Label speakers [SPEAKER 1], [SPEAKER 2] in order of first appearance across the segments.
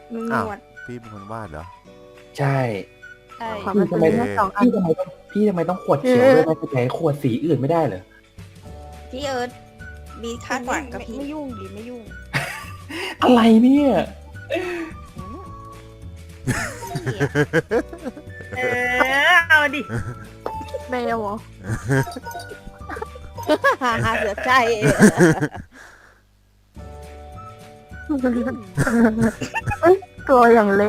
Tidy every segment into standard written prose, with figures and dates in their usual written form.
[SPEAKER 1] มีหน
[SPEAKER 2] อ้าว
[SPEAKER 1] วด
[SPEAKER 2] พี่เป็นคนวาดเหรอ
[SPEAKER 3] ใช่
[SPEAKER 1] ใช่
[SPEAKER 4] ขอมันเป็น
[SPEAKER 2] โอเค
[SPEAKER 4] แค่2 อัน
[SPEAKER 3] พี่ทำไมต้องขวดเขียวด้วยไม่เป็นไรขวดสีอื่นไม่ได้เหรอ
[SPEAKER 1] พี่เอิร์ธมีคาดหวังกับพี่
[SPEAKER 4] ไม่ยุ่งดิไม่ยุ่ง
[SPEAKER 3] อะไรเนี่ย
[SPEAKER 1] เอาดิ
[SPEAKER 4] แมวเหรอ
[SPEAKER 1] หาเสือใจ
[SPEAKER 4] ตัวอย่างเล็ก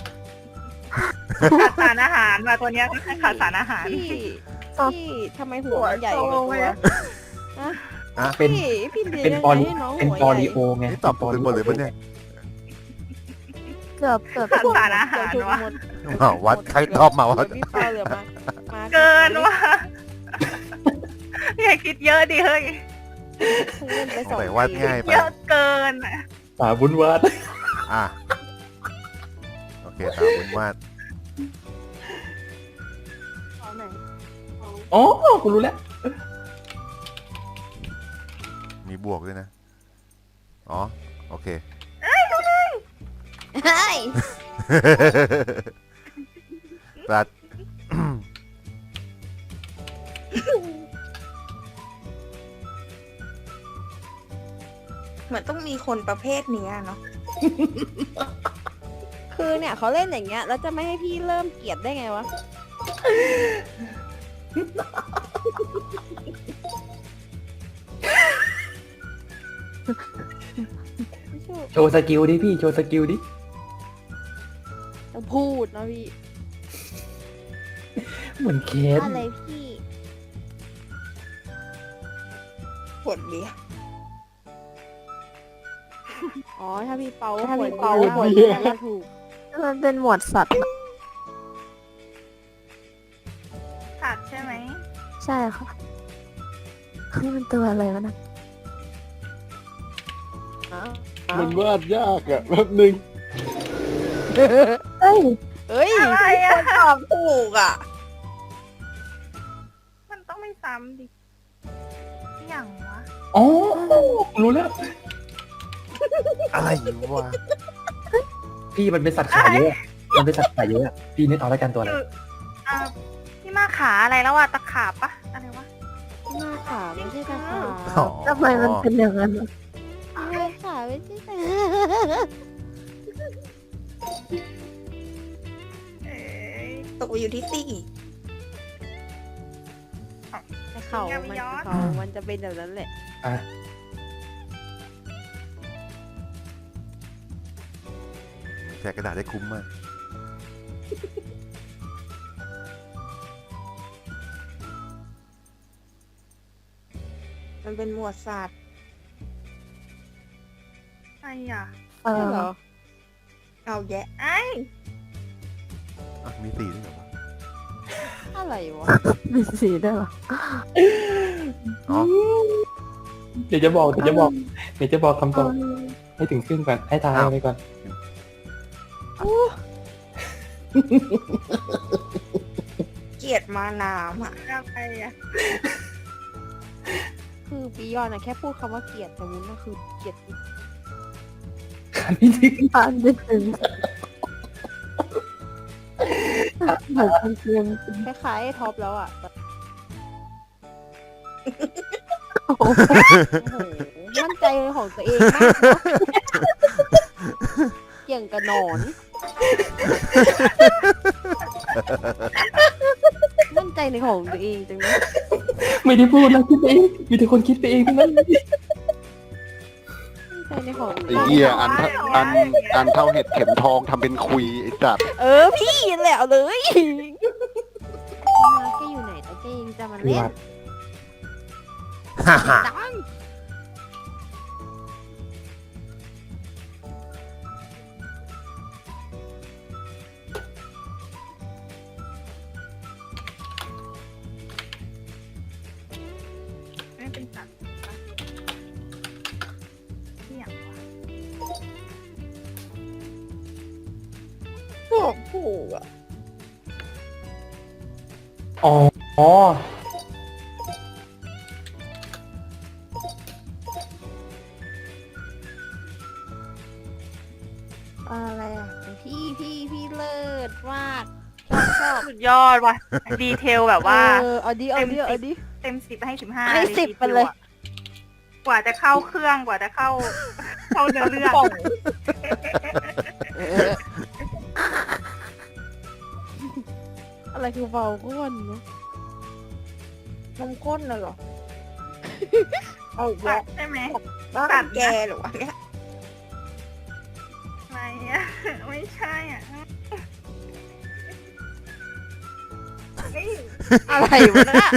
[SPEAKER 5] ขาดสารอาหารมาตัวเนี้ยขาดสารอาหาร
[SPEAKER 4] พี่ทำไมหัวมันใหญ่กว่าตัว
[SPEAKER 2] อ่ะ
[SPEAKER 3] เป็น
[SPEAKER 4] พี่เลี้ยง
[SPEAKER 3] เป็น
[SPEAKER 4] ยัง
[SPEAKER 3] ปอ
[SPEAKER 4] ไง
[SPEAKER 3] ลิ
[SPEAKER 4] ให้น้อง
[SPEAKER 3] เป็น
[SPEAKER 4] หัว
[SPEAKER 3] ปอ
[SPEAKER 4] ใหญ่
[SPEAKER 3] ลิโอไง
[SPEAKER 2] นี่ตอบถูกกันหมดเลยปะเนี่ย
[SPEAKER 4] เกือบ
[SPEAKER 5] ขาดสารอาหารวะ
[SPEAKER 2] อ้าววัดใครตอบมาวัด
[SPEAKER 4] พี่เปาเหลือมา
[SPEAKER 5] เกินว่ะอย่าคิดเยอะดิเฮ้ย
[SPEAKER 4] เล่นไป
[SPEAKER 2] สง
[SPEAKER 4] 2
[SPEAKER 2] สัยวาดง่ายไป
[SPEAKER 5] เยอะเกินอะ
[SPEAKER 3] ตาบุญวาด
[SPEAKER 2] อ่ะโอเคตามคุณวาด
[SPEAKER 3] อ๋อกูรู้แล้ว
[SPEAKER 2] มีบวกด้วยนะอ๋อโอเค
[SPEAKER 4] เฮ้ย
[SPEAKER 2] ตัด
[SPEAKER 1] เหมือนต้องมีคนประเภทเนี้ยเนาะ
[SPEAKER 4] คือเนี่ยเขาเล่นอย่างเงี้ยแล้วจะไม่ให้พี่เริ่มเกลียดได้ไงวะ ไม่ใช่
[SPEAKER 3] โชว์สกิลดิพี่โชว์สกิลดิ
[SPEAKER 4] ต้องพูดนะพี่
[SPEAKER 3] เหมือนเคส
[SPEAKER 4] อะไรพี่
[SPEAKER 1] ขวดเบียร์
[SPEAKER 4] อ๋อถ้าพี่เปา
[SPEAKER 1] ถ้าพี่
[SPEAKER 4] ขวด
[SPEAKER 1] เปา
[SPEAKER 4] ขวดเบียร์ก็ถูก
[SPEAKER 6] มันเป็นหมวดสัตว์
[SPEAKER 5] ขาดใช่ไหม
[SPEAKER 6] ใช่ค่ะนี่มันตัวอะไรวะนะ
[SPEAKER 7] มันวาดยากอะแป๊บนึง
[SPEAKER 6] เฮ้ย
[SPEAKER 4] เอ้ย
[SPEAKER 5] อะไรอะ
[SPEAKER 1] ตอบถูกอ่ะ
[SPEAKER 5] มันต้องไม่ซ้ำดิอย่างวะ
[SPEAKER 3] อ๋อรู้แล้ว
[SPEAKER 2] อะไรวะ
[SPEAKER 3] พี่มันเป็นสัตว์ขาเยอะ มันเป็นสัตว์ขาเยอะ พี่นึกเอาแล้วกันตัวอะไร
[SPEAKER 5] คืออ่าพี่มาขาอะไรแล้วอะตะขาบปะอะไรวะ
[SPEAKER 4] หน้าขาไม่ใช่ตาขา
[SPEAKER 2] อ๋อ
[SPEAKER 6] ทำไมมันเป็นอย่างนั้นวะ
[SPEAKER 4] หน้าขาไม่ใช่ตา
[SPEAKER 5] เอ้ย
[SPEAKER 1] ตกอยู่ที่สี่
[SPEAKER 4] แต่เขามันจะเป็นแบบนั้นแหละ
[SPEAKER 3] อ่ะ
[SPEAKER 2] แจกกระดาษได้คุ้มมาก
[SPEAKER 1] มันเป็นหมวดสัตว์
[SPEAKER 5] ไอ้อะ
[SPEAKER 6] เอ
[SPEAKER 4] ใช่
[SPEAKER 6] อ
[SPEAKER 4] เหรอ
[SPEAKER 1] เอาแยะ
[SPEAKER 5] ไอ้
[SPEAKER 2] อ่ะมีสีด้วยเหรอวะ
[SPEAKER 4] อะไรวะ
[SPEAKER 6] มีสีด้วยเหรอ
[SPEAKER 2] อ๋อ
[SPEAKER 3] เดี๋ยวจะบอกคำตอบให้ถึงครึ่งก่อนให้ทายไปก่อน
[SPEAKER 1] เกลียดมาน้ำอ่ะ
[SPEAKER 5] อะไรอะ
[SPEAKER 4] คือปียอนอะแค่พูดคำว่าเกลียดแต่วุ้นก็คือเกลียด
[SPEAKER 3] อันนี้จริง
[SPEAKER 6] อ่านไม่ถึงเหมือนเป็นเกม
[SPEAKER 4] คล้ายๆไอ้ท็อปแล้วอะ
[SPEAKER 6] โอ้โห
[SPEAKER 4] โอ้โหมั่นใจในของตัวเองมากเนอะเกี่ยงกับหนอน มั่นใจในของตัวเองจังเลย
[SPEAKER 3] ไม่ได้พูดแล้วคิดไปเองมีแต่คนคิดไปเองทั้งนั้น
[SPEAKER 4] มั่นใจในของตัว
[SPEAKER 7] ไอ้
[SPEAKER 4] เอง
[SPEAKER 7] เหี้ยอันเท่าเห็ดเข็มทองทำเป็นคุยไอ้สัตว์
[SPEAKER 4] พี่แหละเอาเลยมาแกอยู่ไหนแต่แกยังจะมา
[SPEAKER 3] พี่
[SPEAKER 4] เล่น
[SPEAKER 3] วัด
[SPEAKER 2] ฮ่าฮ่า
[SPEAKER 4] ดัง
[SPEAKER 5] ไม่เป็นสัตว์ปะที่อย่างวะ
[SPEAKER 1] ตอบถูกอ่ะ
[SPEAKER 3] อ๋อ
[SPEAKER 6] อ่าอะไรอ่ะ
[SPEAKER 4] พี่เลิศมากชอบ
[SPEAKER 5] สุดยอดว่ะ ดีเทลแบบว่า
[SPEAKER 4] เอาดิเอาดิเอาดิ
[SPEAKER 5] เต็ม10ให้15
[SPEAKER 4] ให้10ไปเลย
[SPEAKER 5] กว่าจะเข้าเครื่องกว่าจะเข้าเนื้อเรื่อง
[SPEAKER 4] อะไรคือเบาก้อนเนาะ
[SPEAKER 1] นมข้นน่ะเหรอ เอาอีก
[SPEAKER 5] สั
[SPEAKER 1] แล้ว
[SPEAKER 5] ตว์ใช่ไหม
[SPEAKER 1] บ้า
[SPEAKER 5] สั
[SPEAKER 1] น
[SPEAKER 5] ตว์
[SPEAKER 1] แกเหรอวะเนี่ย
[SPEAKER 5] อะไรอ่ะ ไม่ใช่อ่ะเฮ้ย
[SPEAKER 4] อะไรวะเนี่ย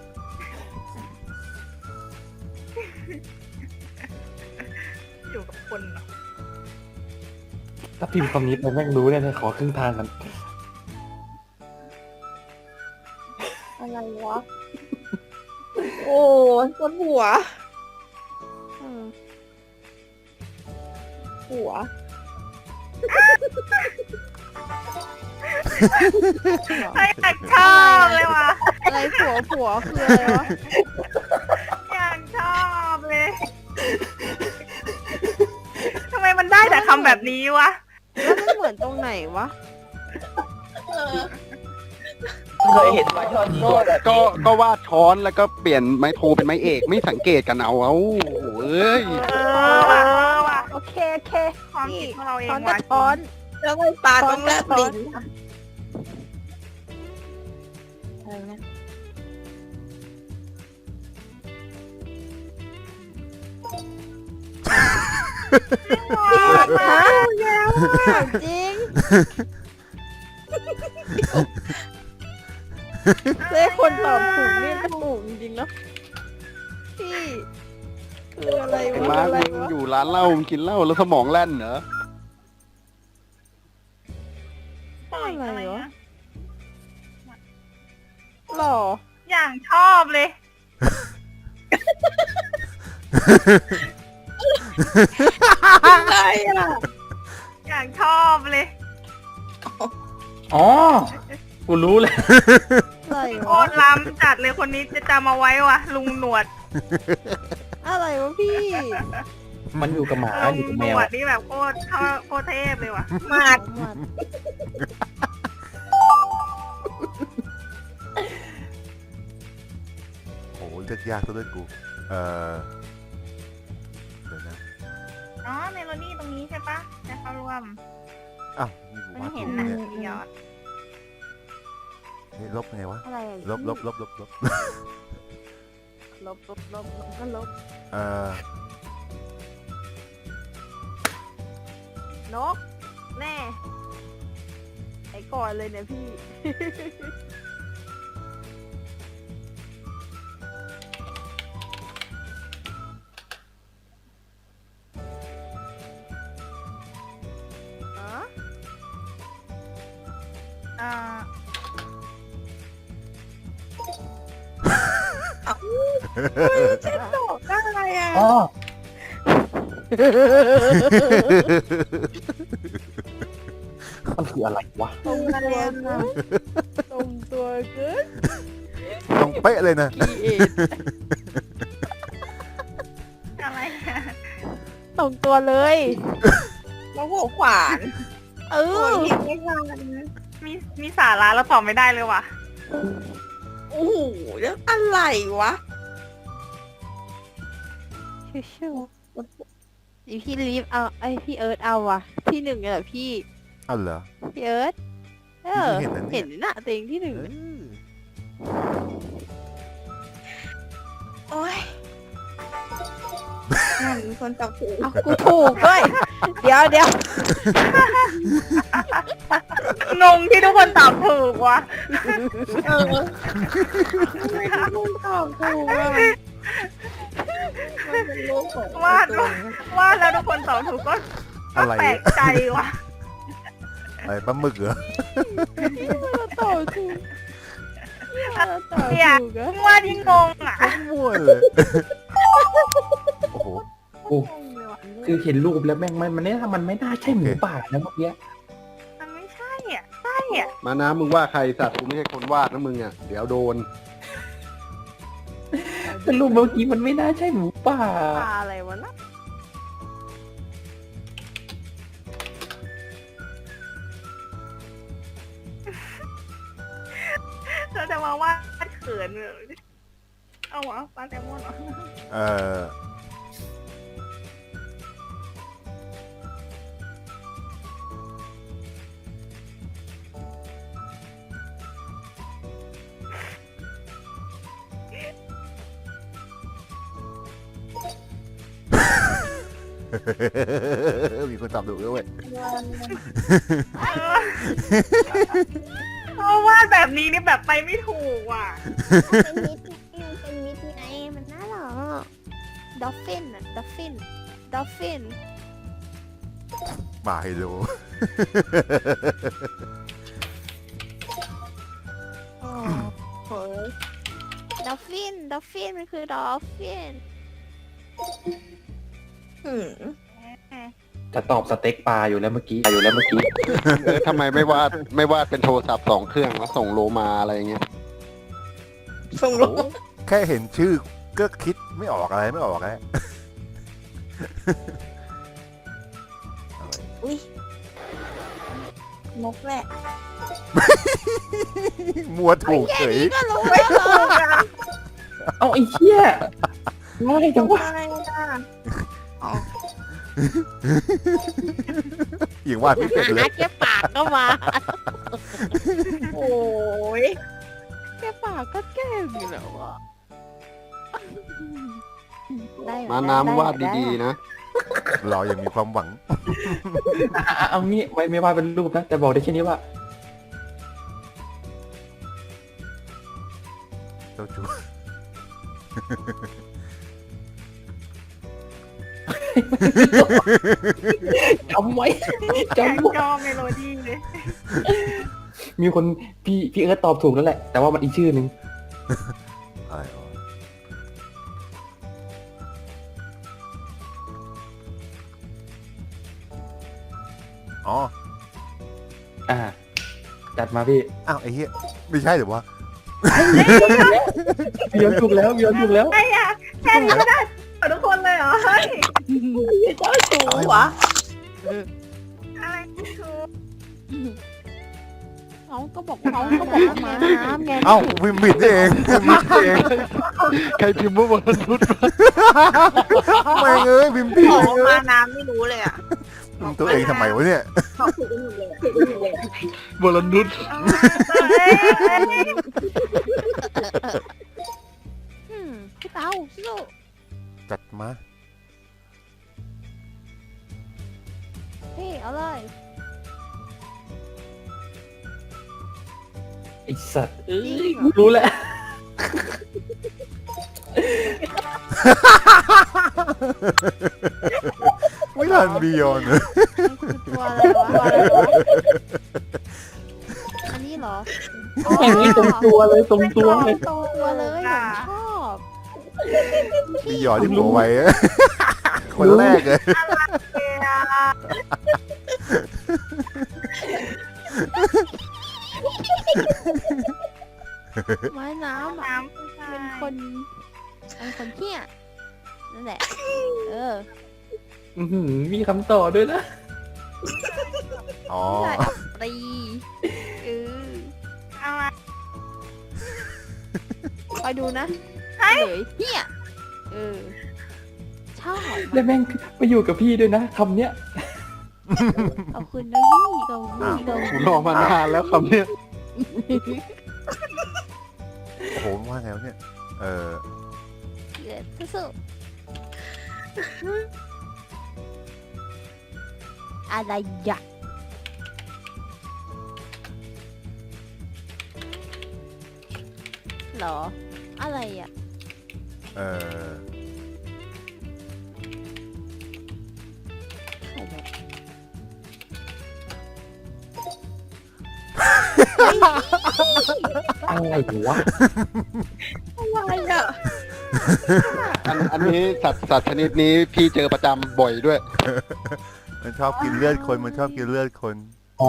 [SPEAKER 5] อยู่กับคนเหรอ
[SPEAKER 3] ถ้าพิมพ์คำนี้ไปแม่งรู้เลยขอครึ่งทางกัน
[SPEAKER 1] อะไรวะ โอ้ปวดหัว หัว
[SPEAKER 5] ไอ้อยากชอบเลยว่ะ
[SPEAKER 4] อะไรผัวคืออะไรวะ
[SPEAKER 5] อยากชอบเลยทำไมมันได้แต่คำแบบนี้วะ
[SPEAKER 4] แล้วมันเหมือนตรงไหนวะ
[SPEAKER 3] เคยเห็นไหมช่อนี้
[SPEAKER 7] ก็วาดช้อนแล้วก็เปลี่ยนไม้โทเป็นไม้เอกไม่สังเกตกันเอาเอ้ย
[SPEAKER 5] ว่ะ
[SPEAKER 4] โอเค
[SPEAKER 5] ความคิดของเราเอง
[SPEAKER 4] ช้อน
[SPEAKER 5] ว่ะ
[SPEAKER 4] กับช้อน
[SPEAKER 1] แล้วไอ้ปลาต้องแลบลิ้นอะไรนะ
[SPEAKER 4] ฮะจริงเล่คนตอบถูกนี่ก็ถูกจริงๆเนาะพี่คืออะไร
[SPEAKER 7] ไอ้
[SPEAKER 4] วะ
[SPEAKER 7] มาร์
[SPEAKER 4] อะไร
[SPEAKER 7] คมึง
[SPEAKER 4] วะ
[SPEAKER 7] อยู่ร้านเหล้ามึงกินเหล้าแล้วสมองแล่นเหรอ
[SPEAKER 4] อะไรวะหล่อ
[SPEAKER 5] อย่างชอบเลย
[SPEAKER 1] อะไรอ่ะ
[SPEAKER 5] อย่างชอบเลย
[SPEAKER 3] อ๋อ กูรู้เลย
[SPEAKER 4] อะไร
[SPEAKER 5] โคว
[SPEAKER 4] ะ
[SPEAKER 5] ตรล้ำจัดเลยคนนี้จะจำเอาไว้ว่ะลุงหนวด
[SPEAKER 4] อะไรวะพี่
[SPEAKER 3] มันอยู่กับหมา
[SPEAKER 5] ลุ
[SPEAKER 3] อยู่
[SPEAKER 5] ง
[SPEAKER 3] กับ
[SPEAKER 5] หน
[SPEAKER 3] แมว
[SPEAKER 5] วดนี่แบบโคตรเทพเลยว่ะ
[SPEAKER 1] มาด
[SPEAKER 2] โอ้โหเลือกยากซะด้วยกู เดี๋ยวนะ
[SPEAKER 5] อ๋อเมโลดี้ตรงนี้ใช่ปะในเข้าร่วม
[SPEAKER 2] อ้าวนี่กู
[SPEAKER 5] มัน
[SPEAKER 2] วาด
[SPEAKER 5] เห็
[SPEAKER 2] ถู
[SPEAKER 5] น
[SPEAKER 2] ก
[SPEAKER 5] นะ
[SPEAKER 2] เนี่ย
[SPEAKER 5] พี่ยอด
[SPEAKER 2] นี่ลบไงวะ
[SPEAKER 4] อะไรอะ
[SPEAKER 2] ลบ
[SPEAKER 4] ลบก็ลบ
[SPEAKER 2] เอ่อน
[SPEAKER 4] กแน่ไอ้ก่อนเลยเนี่ยพี่ อ๋อ
[SPEAKER 5] อ่า
[SPEAKER 1] ตอบได้อะไรอ่ะ
[SPEAKER 3] อ๋อ มันคืออะไรวะ
[SPEAKER 4] ตรงตัวเกินตรงตัวเกิน
[SPEAKER 2] ตรงเป๊ะเลยนะ
[SPEAKER 4] พี่เอ
[SPEAKER 5] อะไรอ่ะ
[SPEAKER 4] ตรงตัวเลย
[SPEAKER 1] แล้วหัวขวาน
[SPEAKER 4] เอ
[SPEAKER 1] โอ้
[SPEAKER 4] อย
[SPEAKER 1] เห็นไม่ทัน
[SPEAKER 5] มีสาระแล้วตอบไม่ได้เลยว่ะ
[SPEAKER 1] โอ้โหแล้วอะไรวะ
[SPEAKER 4] ชิวๆนี่พี่ลีฟเอาไอพี่เอิร์ธเอาว่ะ ที่หนึ่งเลยเหรอพี่
[SPEAKER 2] เอาเหรอ
[SPEAKER 4] พี่เอิร์ธเออ
[SPEAKER 2] พี่เพิ่งเห็
[SPEAKER 4] เห็
[SPEAKER 2] น
[SPEAKER 4] น
[SPEAKER 2] นะเนี่ย
[SPEAKER 4] น่ะตัวเองที่หนึ่ง
[SPEAKER 2] เออ
[SPEAKER 1] โอ้ยนั่นมีคนตอบถูก
[SPEAKER 4] เอากูถูกด้วย เดี๋ยว
[SPEAKER 5] งงที่ทุกคนตอบถูกว่ะ
[SPEAKER 1] เออทำไมทุกคนตอบถูกอ่ะมันเป็นโลกของ
[SPEAKER 5] วาดแล้วทุกคนตอบถูกก็
[SPEAKER 2] อะไร
[SPEAKER 5] แปลกใจว่ะ
[SPEAKER 2] อะไรปลาหมึกเหรอ
[SPEAKER 4] เราตอบถูกเราตอบ
[SPEAKER 5] เนี่ย
[SPEAKER 4] ถูกอะ
[SPEAKER 5] วาดยิ่งงงอ่ะ
[SPEAKER 2] มั่วเลย โอ้โห
[SPEAKER 3] กู คือเห็นรูปแล้วแม่งมันเนี่ยมันไม่น่าใช่หมูป่านะเมื่อกี้
[SPEAKER 5] มันไม่ใช่อ่ะใช่อ่ะ
[SPEAKER 7] มานะมึงว่าใครสัตว์กูไม่ใช่คนวาดนะมึงอ่ะเดี๋ยวโดน
[SPEAKER 3] แต่รูปเมื่อกี้มันไม่น่าใช่หมูป่า
[SPEAKER 4] ปลาอะไรวะนะ
[SPEAKER 5] เธอจะมาวาดเขินเลยเอาวะปลาแซลมอนเหรอ
[SPEAKER 2] เออมีคนตอบถูกด้วย
[SPEAKER 5] เพราะวาดแบบนี้นี่แบบไปไม่ถูกว่ะ
[SPEAKER 4] เป็นมิดไงเป็นมิดไงมันน่ารักดอฟฟินอะดอฟฟินดอฟฟิน
[SPEAKER 2] มาให้ดู
[SPEAKER 1] อ๋อโหย
[SPEAKER 4] ดอฟฟินดอฟฟินมันคือดอฟฟิน
[SPEAKER 1] หืม
[SPEAKER 3] จะตอบสเต็กปลาอยู่แล้วเมื่อกี้
[SPEAKER 7] ทำไมไม่วาดเป็นโทรศัพท์2 เครื่องแล้วส่งโลมาอะไรอย่างเงี้ย
[SPEAKER 1] ส่งลง
[SPEAKER 2] แค่เห็นชื่อก็คิดไม่ออกอะไรไม่ออกแล้ว
[SPEAKER 1] อุ้ยนกแหละ
[SPEAKER 2] มัวถูกเฉย
[SPEAKER 4] ก็รู้แล้วเหรอ
[SPEAKER 3] เอาไอ้เหี้ยง่ายจังวะ
[SPEAKER 1] อะไรอ่ะ
[SPEAKER 2] อย่างว่าไม่เป็นเลย
[SPEAKER 4] แค่ปากก็มา
[SPEAKER 1] โอ้ย
[SPEAKER 4] แค่ปากก็แก้มอยู่แล้วอะได้
[SPEAKER 7] มาน้ำวาดดีๆนะ
[SPEAKER 2] เรายังมีความหวัง
[SPEAKER 3] เอางี้ไม่วาดเป็นรูปนะ แต่บอกได้แค่นี้ว่า
[SPEAKER 2] เจ้าชู้
[SPEAKER 3] จำไว้
[SPEAKER 5] แข่ง
[SPEAKER 3] จำไว้
[SPEAKER 5] จอเมโลดี้เลย
[SPEAKER 3] มีคนพี่เอิร์ธตอบถูกแล้วแหละ แต่ว่ามันอีกชื่อหนึ่ง
[SPEAKER 2] อะไรวะอ๋อ
[SPEAKER 3] จัดมาพี่
[SPEAKER 2] อ้าวไอ้เหี้ยไม่ใช่หรือวะ
[SPEAKER 3] พี่ยนถูกแล้วพี่ยนถูกแล้ว
[SPEAKER 5] ไอ้อะแค่นี้ก็ได้ทุกคนเลยเหรอเฮ้ย
[SPEAKER 1] เจ้าชู้วะ
[SPEAKER 5] อะไรถูก
[SPEAKER 4] เขาก็บอกว่ามาน้ำไง
[SPEAKER 2] เอ้าวิมบิดนี่เองวิมบิดนี่เอง
[SPEAKER 7] ใครพิมพ์ว่าวันนุษย์
[SPEAKER 2] แม่งเอ้ยวิมบิด
[SPEAKER 1] บอก
[SPEAKER 2] เอง
[SPEAKER 1] ว่ามาน้ำไม่รู้เลยอ่ะ
[SPEAKER 2] ตัวเองทำไมวะเนี่ย
[SPEAKER 1] ตอบถูกกันหมดเลยอะถูกกันหมดเลยอะ
[SPEAKER 7] วันนุษย์
[SPEAKER 5] เฮ้ย
[SPEAKER 4] พี่เต๋าสู้
[SPEAKER 2] จัดมา
[SPEAKER 4] พี่เอาเลย
[SPEAKER 3] ไอสัตว์รู้แล้ว
[SPEAKER 2] ไม่ทันบียอนเลย
[SPEAKER 4] มันคือตัวอะไรวะอันนี้เหรอ
[SPEAKER 3] อย่างนี้ตรงตัวเลยตรงตัวเลย
[SPEAKER 4] ตรงตัวเลยผมชอบ
[SPEAKER 2] บียอนที่หัวไว้อะคนแรกเลย
[SPEAKER 4] ไม้น้ำอะ
[SPEAKER 5] น้ำผู้ชาย
[SPEAKER 4] เป็นคนเที่ยนั่นแหละ
[SPEAKER 3] มีคำต่อด้วยนะ
[SPEAKER 2] อ๋อ
[SPEAKER 4] ใช่อัปรีอ
[SPEAKER 5] อะไร
[SPEAKER 4] คอยดูนะเลยเที่ยชอบ
[SPEAKER 3] แล้วแม่งไปอยู่กับพี่ด้วยนะคำเนี้ย
[SPEAKER 4] ขอบคุณนะพี่ขอบคุณขอบ
[SPEAKER 7] ผ
[SPEAKER 4] คุ
[SPEAKER 7] ม
[SPEAKER 4] ณ
[SPEAKER 7] รอมานานแล้วคำเนี้ย
[SPEAKER 2] โอ้โหว่าไงวะเนี่ย
[SPEAKER 4] สู้อะไรอ่ะหรอ อะไรอ่ะ
[SPEAKER 2] เออ
[SPEAKER 4] ใครเนี่ย
[SPEAKER 3] อะไรวะ
[SPEAKER 1] อะไรอ่ะ
[SPEAKER 7] อันนี้สัตว์ชนิดนี้พี่เจอประจำบ่อยด้วย
[SPEAKER 2] มันชอบกินเลือดคน มันชอบกินเลือดคน
[SPEAKER 3] อ๋อ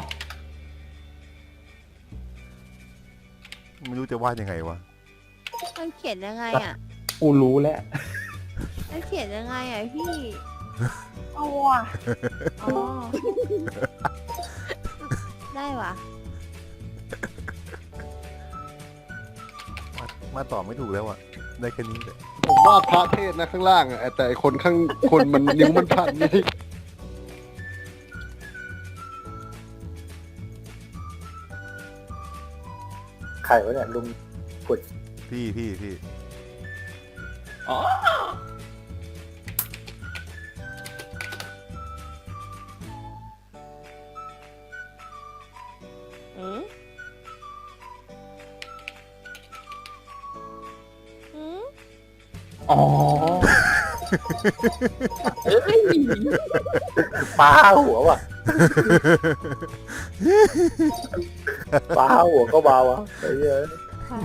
[SPEAKER 2] ไม่รู้จะวาดยังไงวะ
[SPEAKER 4] มันเขียนยังไงอ่ะ
[SPEAKER 3] กูรู้แล้ว
[SPEAKER 4] มันเขียนยังไงอ่ะพี่
[SPEAKER 1] เอาว่ะ
[SPEAKER 4] อ๋อ ได้ว่ะ
[SPEAKER 2] มาต่อไม่ถูกแล้วอ่ะได้แค่นี้เลย
[SPEAKER 7] ผมวาดพระเทศนะข้างล่างอะแต่ไอ้คนมันนิ้วมันพันนี่
[SPEAKER 8] ใครวะเนี่ยลุงกด
[SPEAKER 2] พี่
[SPEAKER 3] อ๋อ
[SPEAKER 4] อืมอืม
[SPEAKER 3] อ๋อ
[SPEAKER 8] ปลาหัวว่ะปลาหัวก็เบาวะไอ้เหี้ย
[SPEAKER 4] ค่ะ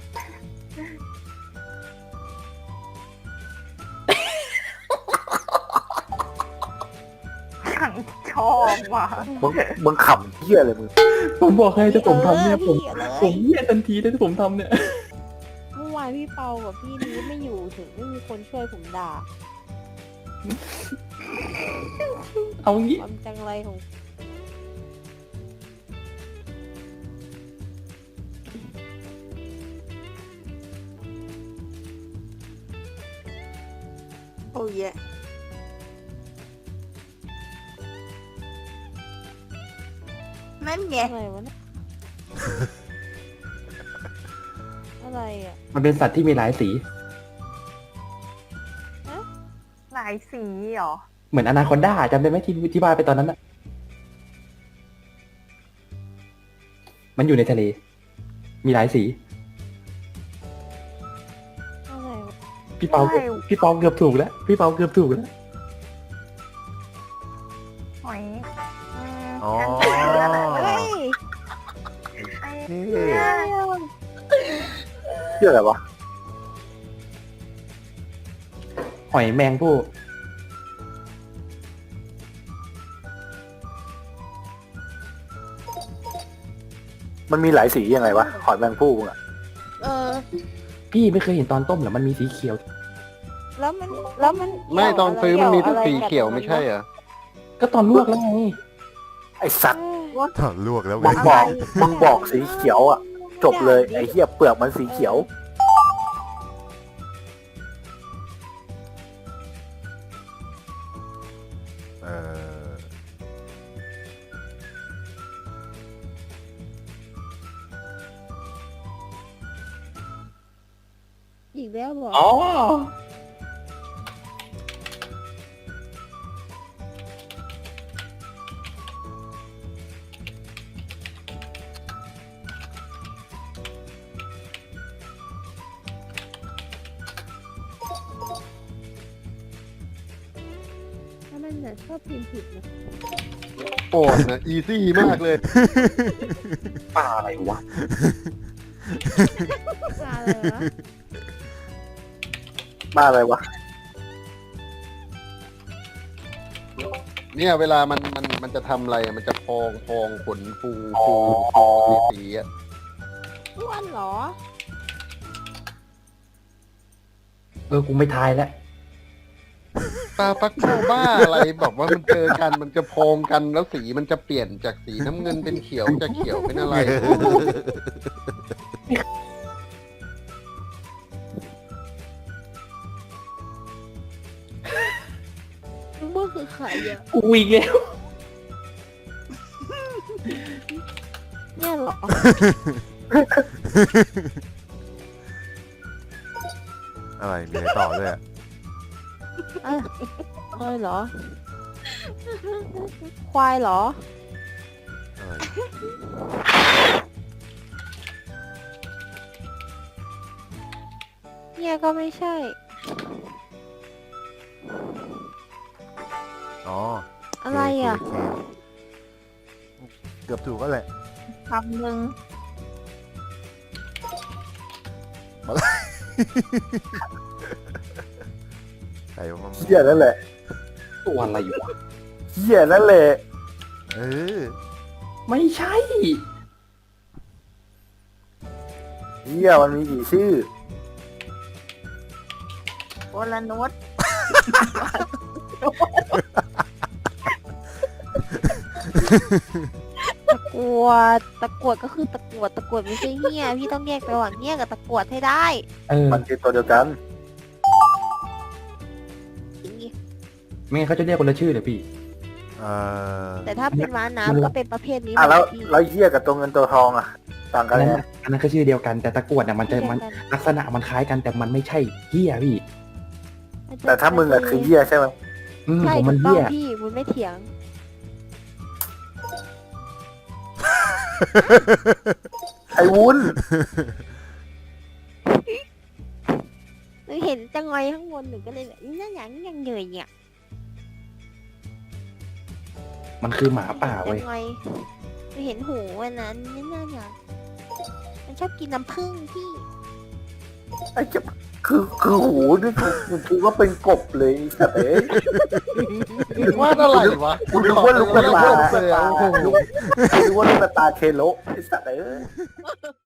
[SPEAKER 5] ขังชอบว่ะ
[SPEAKER 8] มึงขำเหี้ยเลยมึง
[SPEAKER 3] ผมบอกให้ถ้าผมทำเนี่ยผม
[SPEAKER 4] พี่เลย
[SPEAKER 3] ผมเหี้ยทันทีเลยถ้าผมทำเนี่ย
[SPEAKER 4] เมื่อวานพี่เปากับพี่นี้ไม่อยู่ถึงไม่มีคนช่วยผมด่า
[SPEAKER 3] เอางี้
[SPEAKER 4] ความจังไรของ
[SPEAKER 1] โอ้ยนั่นไง
[SPEAKER 4] อะไรวะเนี่ย อะไรอ่ะ
[SPEAKER 3] มันเป็นสัตว์ที่มีหลายสี
[SPEAKER 5] หลายสีเหรอ
[SPEAKER 3] เหมือนอนาคอนดาจำได้ไหมที่ว่าไปตอนนั้นอะมันอยู่ในทะเล มีหลายสี
[SPEAKER 4] อะไรวะ
[SPEAKER 3] พี่เปาเกือบ
[SPEAKER 5] ใช่
[SPEAKER 3] พี่เปาเกือบถูกแล้ว พี่เปาเกือบถูกแล้ว
[SPEAKER 5] หอย
[SPEAKER 2] อ๋อ
[SPEAKER 4] เฮ้ย
[SPEAKER 5] ไอ้
[SPEAKER 2] เท่
[SPEAKER 8] เหี้ยอะไรวะ
[SPEAKER 3] หอยแมงผู้
[SPEAKER 8] มันมีหลายสียังไงวะหอยแมงผู้มึงอะ
[SPEAKER 4] เออ
[SPEAKER 3] พี่ไม่เคยเห็นตอนต้มเหรอ มันมีสีเขียว
[SPEAKER 4] แล้วมัน
[SPEAKER 7] ไม่ตอนซื้อมันมีแต่สี
[SPEAKER 4] กี่
[SPEAKER 7] เขียว
[SPEAKER 4] กับ
[SPEAKER 7] ไม่ใช่เหรอ
[SPEAKER 3] ก็ตอนลวกแล้วไง
[SPEAKER 8] ไอสัตว์
[SPEAKER 2] ถอดลวกแล้วไง
[SPEAKER 8] มึงบอกสีเขียวอ่ะ จบเลยไอเหี้ยเปลือกมันสีเขียว
[SPEAKER 2] เออ
[SPEAKER 4] อีกแล้วบอก
[SPEAKER 3] อ๋อ
[SPEAKER 4] ถ้ามันเนี่ยชอบพิมพ์ผิดนะ
[SPEAKER 7] โอ้นะอีซี่มากเลย
[SPEAKER 3] ปลาอะไรวะ
[SPEAKER 4] อะไรวะ
[SPEAKER 8] มาอะไรวะ
[SPEAKER 7] เนี่ยเวลามันจะทำอะไรอะมันจะพองขนฟูสีอะ
[SPEAKER 4] อ้วนเหรอ
[SPEAKER 3] กูไม่ทายแล้ว
[SPEAKER 7] ปลาปักโกบ้าอะไรแบบว่ามันเจอกันมันจะพองกันแล้วสีมันจะเปลี่ยนจากสีน้ำเงินเป็นเขียวจากเขียวเป็นอะไร
[SPEAKER 4] เมื่อคือใครอ่ะ
[SPEAKER 3] กูอีกแล้ว
[SPEAKER 4] เนี่ยเหรอ
[SPEAKER 2] อะไรมีอะไรต่อด้วยอะ
[SPEAKER 4] เอ้ยเหรอ ควายเหรอ
[SPEAKER 2] อะไร
[SPEAKER 4] เนี่ยก็ไม่ใช่
[SPEAKER 2] อ๋อ
[SPEAKER 4] อะไรอ่ะ
[SPEAKER 2] เคเกือบถูกก็แหละ
[SPEAKER 1] คำหนึ่ง
[SPEAKER 2] ใครว่ามัน
[SPEAKER 8] เหี้ยนั่นแหละ
[SPEAKER 3] ตัวอะไรวะ
[SPEAKER 8] เหี้ยนั่นแหละ
[SPEAKER 2] เออ
[SPEAKER 3] ไม่ใช่
[SPEAKER 8] เหี้ยมันมีกี่ชื่อ
[SPEAKER 1] โอลานุช
[SPEAKER 4] กรวดตะกรวดก็คือตะกรวดตะกรวดไม่ใช่เหี้ยพี่ต้องแยกระหว่างเหี้ยกับตะกรวดให้ได้
[SPEAKER 8] มันคือตัวเดียวกัน
[SPEAKER 3] ไม่งั้นเขาจะเรียกคนละชื่อเลยพี่
[SPEAKER 4] แต่ถ้าเป็นม้า
[SPEAKER 3] มัน
[SPEAKER 4] น้ำก็เป็นประเภทนี้
[SPEAKER 8] แล้ว
[SPEAKER 4] พี่
[SPEAKER 8] แล้วเหี้ยกับตัวเงินตัวทองอ่ะ ต่างกั
[SPEAKER 3] อั
[SPEAKER 8] น
[SPEAKER 3] น
[SPEAKER 8] ไง
[SPEAKER 3] นั้นก็ชื่อเดียวกันแต่ตะกรวดเนี่ยมันจะมันลักษณะมันคล้ายกันแต่มันไม่ใช่เหี้ยพี่
[SPEAKER 8] แต่ถ้ามึงอะคือเหี้ยใช่ไหม
[SPEAKER 4] ใช่
[SPEAKER 3] ผม
[SPEAKER 4] ถู
[SPEAKER 3] มัน
[SPEAKER 4] กต้อง
[SPEAKER 3] เหี้ย
[SPEAKER 4] พี่มึงไม่เถียง
[SPEAKER 8] ไอ้วุ้น
[SPEAKER 4] หนูเห็นจังไงข้างบนหนูก็เลยแบบนี่อย่างนี้ยังเหนื่อยเนี่ย
[SPEAKER 3] มันคือหมาป่า
[SPEAKER 4] จั
[SPEAKER 3] เว้ย
[SPEAKER 4] งไงหนูเห็นหูวันนั้นนี่น่าอย่างมันชอบกินน้ำผึ้งพี่
[SPEAKER 8] ไอ้เจ็บคือหูนี่กูคิดว่าเป็นกบเลยไอ้สัตว์เอ้ย
[SPEAKER 7] ว่าอะไรวะ
[SPEAKER 8] กูนึกว่าลูกกระตา
[SPEAKER 7] เลยโอ้โห
[SPEAKER 8] กูนึกว่าลูกกระตาเคโลไอ้สัตว์เอ้ย